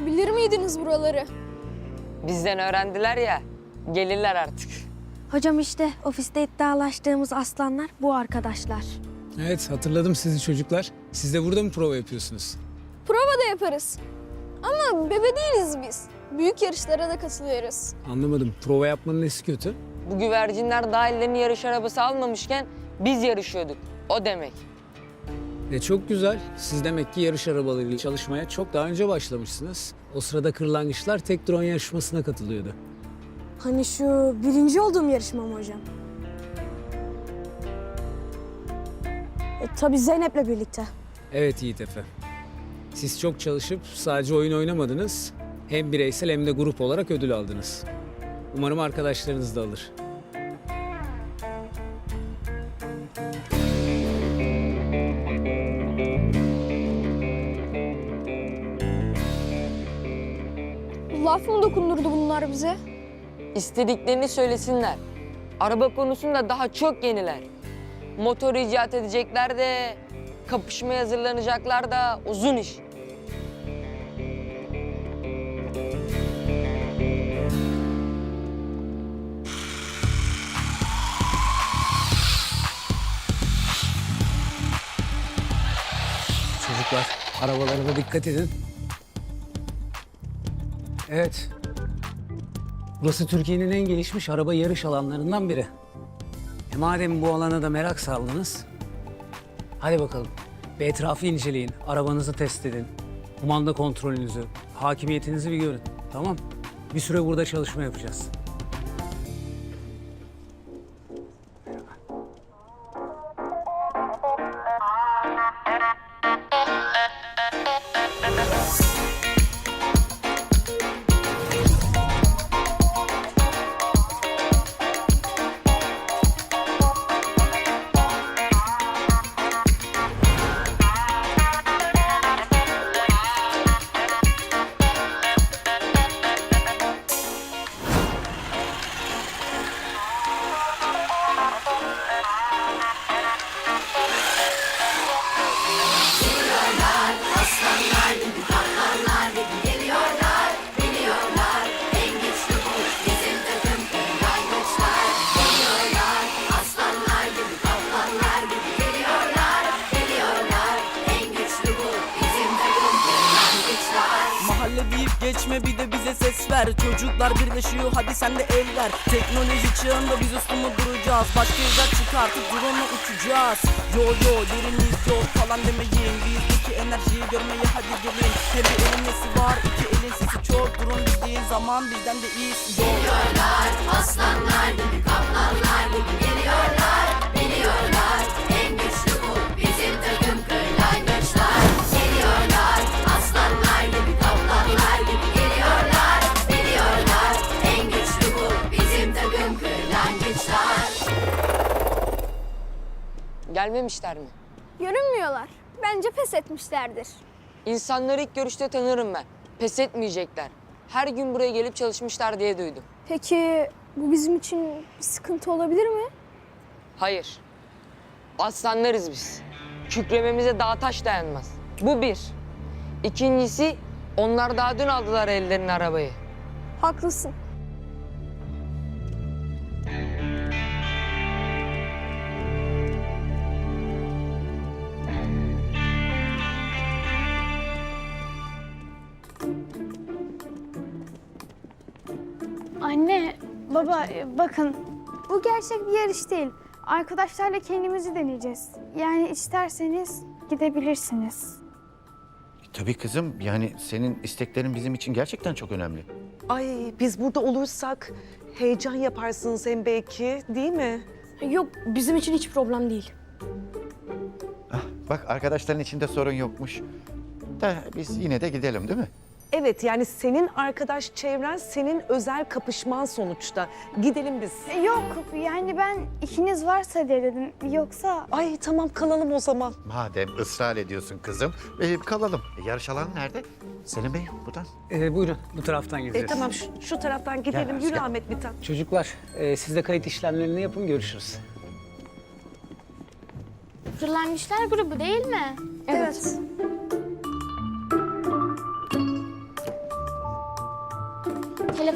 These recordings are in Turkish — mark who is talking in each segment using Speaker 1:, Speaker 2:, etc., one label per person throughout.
Speaker 1: Siz bilir miydiniz buraları?
Speaker 2: Bizden öğrendiler ya, gelirler artık.
Speaker 3: Hocam işte ofiste iddialaştığımız aslanlar bu arkadaşlar.
Speaker 4: Evet, hatırladım sizi çocuklar. Siz de burada mı prova yapıyorsunuz?
Speaker 1: Prova da yaparız. Ama bebe değiliz biz. Büyük yarışlara da katılıyoruz.
Speaker 4: Anlamadım. Prova yapmanın nesi kötü?
Speaker 2: Bu güvercinler daha ellerine yarış arabası almamışken biz yarışıyorduk. O demek.
Speaker 4: Çok güzel. Siz demek ki yarış arabalarıyla çalışmaya çok daha önce başlamışsınız. O sırada kırlangıçlar tek drone yarışmasına katılıyordu.
Speaker 3: Hani şu birinci olduğum yarışma mı hocam? Tabii Zeynep'le birlikte.
Speaker 4: Evet Yiğit Efe. Siz çok çalışıp sadece oyun oynamadınız. Hem bireysel hem de grup olarak ödül aldınız. Umarım arkadaşlarınız da alır.
Speaker 1: Laf mı dokundurdu bunlar bize?
Speaker 2: İstediklerini söylesinler. Araba konusunda daha çok yeniler. Motor icat edecekler de, kapışmaya hazırlanacaklar da uzun iş.
Speaker 4: Çocuklar, arabalarına dikkat edin. Evet. Burası Türkiye'nin en gelişmiş araba yarış alanlarından biri. Madem bu alana da merak saldınız, hadi bakalım. Bir etrafı inceleyin, arabanızı test edin. Kumanda kontrolünüzü, hakimiyetinizi bir görün. Tamam? Bir süre burada çalışma yapacağız.
Speaker 5: Geçme bir de bize ses ver. Çocuklar birleşiyor hadi sen de el ver. Teknoloji çağında biz üstümü duracağız. Başka izler çıkartıp drone'la uçacağız. Yo yo yerimiz yok falan demeyin. Bizdeki enerjiyi görmeye hadi gelin. Hem bir elin nesi var, iki elin sesi çok. Drone dediğin zaman bizden de iyisi yok.
Speaker 6: Geliyorlar aslanlar gibi, kaplanlar gibi geliyorlar. Biliyorlar en güçlü bu bizim takım kırlangıçlar. Geliyorlar aslanlar gibi, kaplanlar gibi geliyorlar. Biliyorlar en güçlü bu bizim takım kırlangıçlar.
Speaker 2: Gelmemişler mi?
Speaker 1: Görünmüyorlar. Bence pes etmişlerdir.
Speaker 2: İnsanları ilk görüşte tanırım ben. Pes etmeyecekler. Her gün buraya gelip çalışmışlar diye duydum.
Speaker 1: Peki bu bizim için bir sıkıntı olabilir mi?
Speaker 2: Hayır. Aslanlarız biz. Kükrememize dağ taş dayanmaz. Bu bir. İkincisi, onlar daha dün aldılar ellerine arabayı.
Speaker 1: Haklısın.
Speaker 7: Anne, baba bakın bu gerçek bir yarış değil. Arkadaşlarla kendimizi deneyeceğiz. Yani isterseniz gidebilirsiniz.
Speaker 8: Tabii kızım, yani senin isteklerin bizim için gerçekten çok önemli.
Speaker 9: Ay biz burada olursak heyecan yaparsınız hem belki değil mi?
Speaker 3: Yok bizim için hiç problem değil.
Speaker 8: Bak arkadaşların içinde sorun yokmuş. Da biz yine de gidelim değil mi?
Speaker 9: Evet yani senin arkadaş çevren senin özel kapışman sonuçta. Gidelim biz.
Speaker 7: Yok yani ben ikiniz varsa diye dedim. Yoksa
Speaker 9: Ay tamam kalalım o zaman.
Speaker 8: Madem ısrar ediyorsun kızım, kalalım. Yarış alanı nerede? Selim Bey, buradan.
Speaker 4: Buyurun, bu taraftan gideceğiz.
Speaker 9: Tamam şu taraftan gidelim.
Speaker 8: Gel,
Speaker 9: Yürü
Speaker 8: gel.
Speaker 9: Ahmet Mithat.
Speaker 4: Çocuklar, siz de kayıt işlemlerini yapın, görüşürüz.
Speaker 7: Kırlangıçlar grubu değil mi?
Speaker 1: Evet.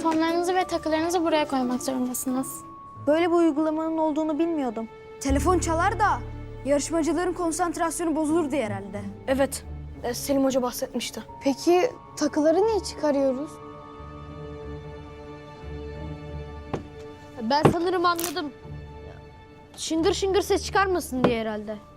Speaker 10: Telefonlarınızı ve takılarınızı buraya koymak zorundasınız.
Speaker 3: Böyle bir uygulamanın olduğunu bilmiyordum.
Speaker 1: Telefon çalar da yarışmacıların konsantrasyonu bozulur diye herhalde.
Speaker 3: Evet, Selim Hoca bahsetmişti.
Speaker 7: Peki takıları niye çıkarıyoruz?
Speaker 3: Ben sanırım anladım. Şıngır şıngır ses çıkarmasın diye herhalde.